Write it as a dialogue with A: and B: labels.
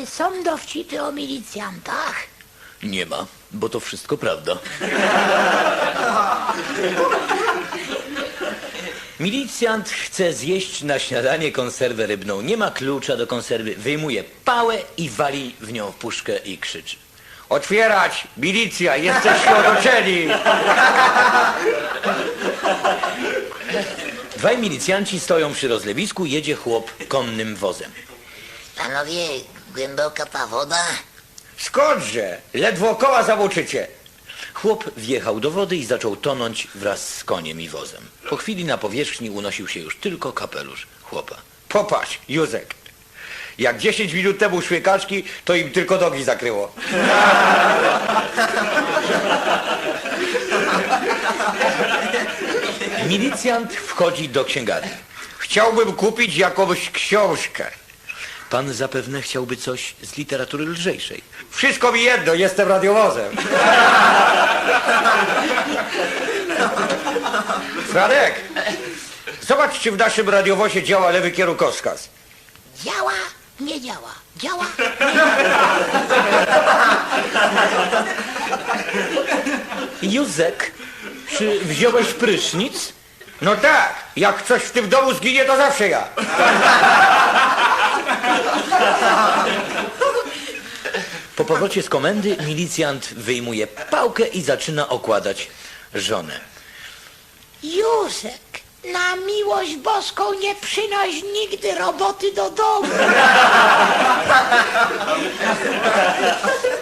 A: są dowcipy o milicjantach?
B: Nie ma, bo to wszystko prawda. Milicjant chce zjeść na śniadanie konserwę rybną. Nie ma klucza do konserwy. Wyjmuje pałę i wali w nią puszkę i krzyczy.
C: Otwierać! Milicja! Jesteście otoczeni!
B: Dwaj milicjanci stoją przy rozlewisku, jedzie chłop konnym wozem.
A: Panowie, głęboka ta woda?
C: Skądże? Ledwo koła zamoczycie.
B: Chłop wjechał do wody i zaczął tonąć wraz z koniem i wozem. Po chwili na powierzchni unosił się już tylko kapelusz chłopa.
C: Popatrz, Józek. Jak 10 minut temu szły kaczki, to im tylko nogi zakryło.
B: Milicjant wchodzi do księgarni.
C: Chciałbym kupić jakąś książkę.
B: Pan zapewne chciałby coś z literatury lżejszej.
C: Wszystko mi jedno, jestem radiowozem. Franek, zobacz, czy w naszym radiowozie działa lewy kierunkowskaz.
A: Działa? Nie działa. Działa?
B: Józek, czy wziąłeś prysznic?
C: No tak, jak coś w tym domu zginie, to zawsze ja.
B: Po powrocie z komendy milicjant wyjmuje pałkę i zaczyna okładać żonę.
A: Józek, na miłość boską nie przynoś nigdy roboty do domu.